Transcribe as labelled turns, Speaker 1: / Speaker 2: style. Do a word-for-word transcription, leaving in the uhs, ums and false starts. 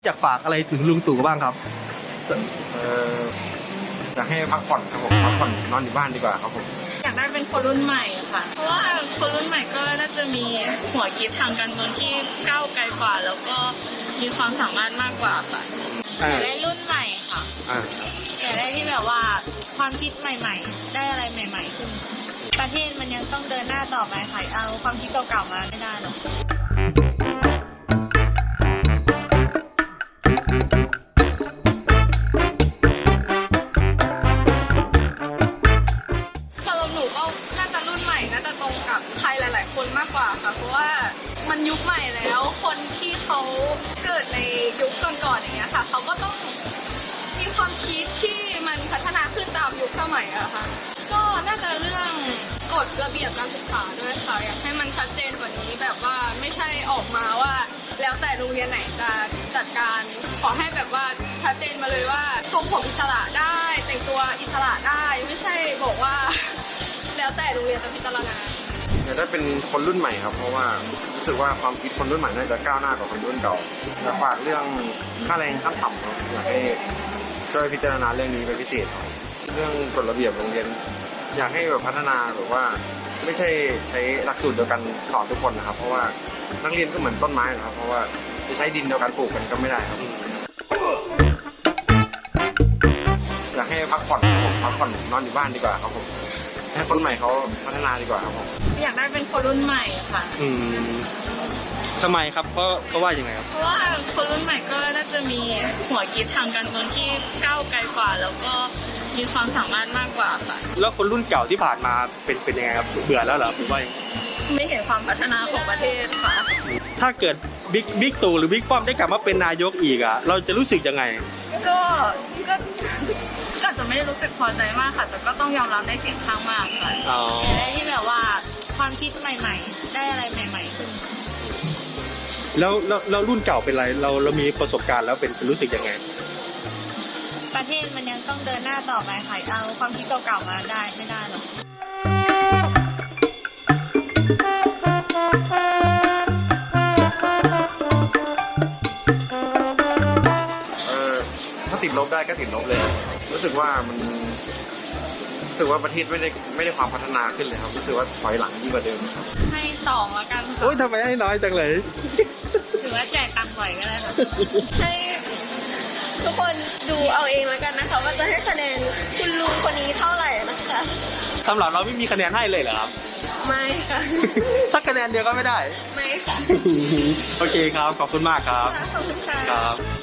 Speaker 1: อยากฝากอะไรถึงลุงตู่บ้างครับ
Speaker 2: เอออยากให้พักผ่อนครับผมพักผ่อนนอนอยู่บ้านดีกว่าครับผม
Speaker 3: อยากได้เป็นคนรุ่นใหม่ค่ะเพราะว่าคนรุ่นใหม่ก็น่าจะมีหัวคิดทางการเมืองที่ก้าวไกลกว่าแล้วก็มีความสามารถมากกว่าค่ะอยากได้รุ่นใหม่ค่ะอยากได้ที่แบบว่าความคิดใหม่ๆได้อะไรใหม่ๆขึ้นประเทศมันยังต้องเดินหน้าต่อไปค่ะเอาความคิดเก่าๆมาไม่ได้หรอกน่าจะตรงกับใครหลายๆคนมากกว่าค่ะเพราะว่ามันยุคใหม่แล้วคนที่เขาเกิดในยุคก่อนๆอย่างเงี้ยค่ะเขาก็ต้องมีความคิดที่มันพัฒนาขึ้นตามยุคสมัยอะค่ะก็น่าจะเรื่องกฎระเบียบการศึกษาด้วยค่ะอยากให้มันชัดเจนกว่านี้แบบว่าไม่ใช่ออกมาว่าแล้วแต่โรงเรียนไหนจะจัดการขอให้แบบว่าชัดเจนมาเลยว่าทรงผมอิสระได้แต่งตัวอิสระได้ไม่ใช่บอกว่าแล้วแต่โรงเรียนจะพิจารณา
Speaker 2: อยากได้เป็นคนรุ่นใหม่ครับเพราะว่ารู้สึกว่าความคิดคนรุ่นใหม่น่าจะก้าวหน้ากว่าคนรุ่นเก่าอยากฝากเรื่องค่าแรงขั้นต่ำครับอยากให้ช่วยพิจารณาเรื่องนี้เป็นพิเศษครับเรื่องกฎระเบียบโรงเรียนอยากให้แบบพัฒนาแบบว่าไม่ใช่ใช้หลักสูตรเดียวกันสอนทุกคนนะครับเพราะว่านักเรียนก็เหมือนต้นไม้นะครับเพราะว่าจะใช้ดินเดียวกันปลูกกันก็ไม่ได้ครับอยากให้พักผ่อนผมพักผ่อนนอนอยู่บ้านดีกว่าครับผมให้คนใหม่เขาพัฒนาดีกว่าครับผม
Speaker 3: อยากได้เป็นคนรุ่นใหม่ค่ะ
Speaker 1: อืมทำไมครับเพราะเพราะว่ายังไงครับ
Speaker 3: เพราะว่าคนรุ่นใหม่ก็น่าจะมีหัวคิดทางการเมืองที่ก้าวไกลกว่าแล้วก็มีความสามารถมากกว่าค่ะ
Speaker 1: แล้วคนรุ่นเก่าที่ผ่านมาเป็นเป็นยังไงครับเบื่อแล้วเหรอหรือว่า
Speaker 3: ไม่เห็นความพัฒนาของประเทศค่ะ
Speaker 1: ถ้าเกิดบิ๊กบิ๊กตู่หรือบิ๊กป้อมได้กลับมาเป็นนายกอีกอ่ะเราจะรู้สึกยังไง
Speaker 3: ก็ก็ก็จะไม่ได้รู้สึกพอใจมากค่ะแต่ก็ต้องยอมรับในเสียงข้างมากค่ะได้ที่แบบว่าความคิดใหม่ๆได้อะไรใหม่ๆขึ้น
Speaker 1: แล้วแล้วแล้วรุ่นเก่าเป็นไรเราเรามีประสบการณ์แล้วเป็นรู้สึกยังไง
Speaker 3: ประเทศมันยังต้องเดินหน้าต่อไปค่ะเอาความคิดเก่าๆมาได้ไม่ได้หรอก
Speaker 2: ถ้าติดลบได้ก็ติดลบเลยรู้สึกว่ามันรู้สึกว่าประเทศไม่ได้ไม่ได้ความพัฒนาขึ้นเลยครับรู้สึกว่าถอยหลังยิ่งกว่าเดิมครับ
Speaker 3: ให้สองแล้วกัน
Speaker 1: โอ๊ยทำไมให้น้อยจังเลย
Speaker 3: ถือว่าแจกตังค์บ่อยก็ได้ค่ะให้ทุกคนดูเอาเองแล้วกันนะคะว่าจะให้คะแนนคุณลุงคนนี้เท่าไหร่นะคะ
Speaker 1: สำหรับเราไม่มีคะแนนให้เลยเหรอครับ
Speaker 3: ไม่ค่ะ
Speaker 1: สักคะแนนเดียวก็ไม่ได้
Speaker 3: ไม่ค่ะ
Speaker 1: โอเคครับขอบคุณมากครับ
Speaker 3: ขอบคุณค่ะ
Speaker 1: ครับ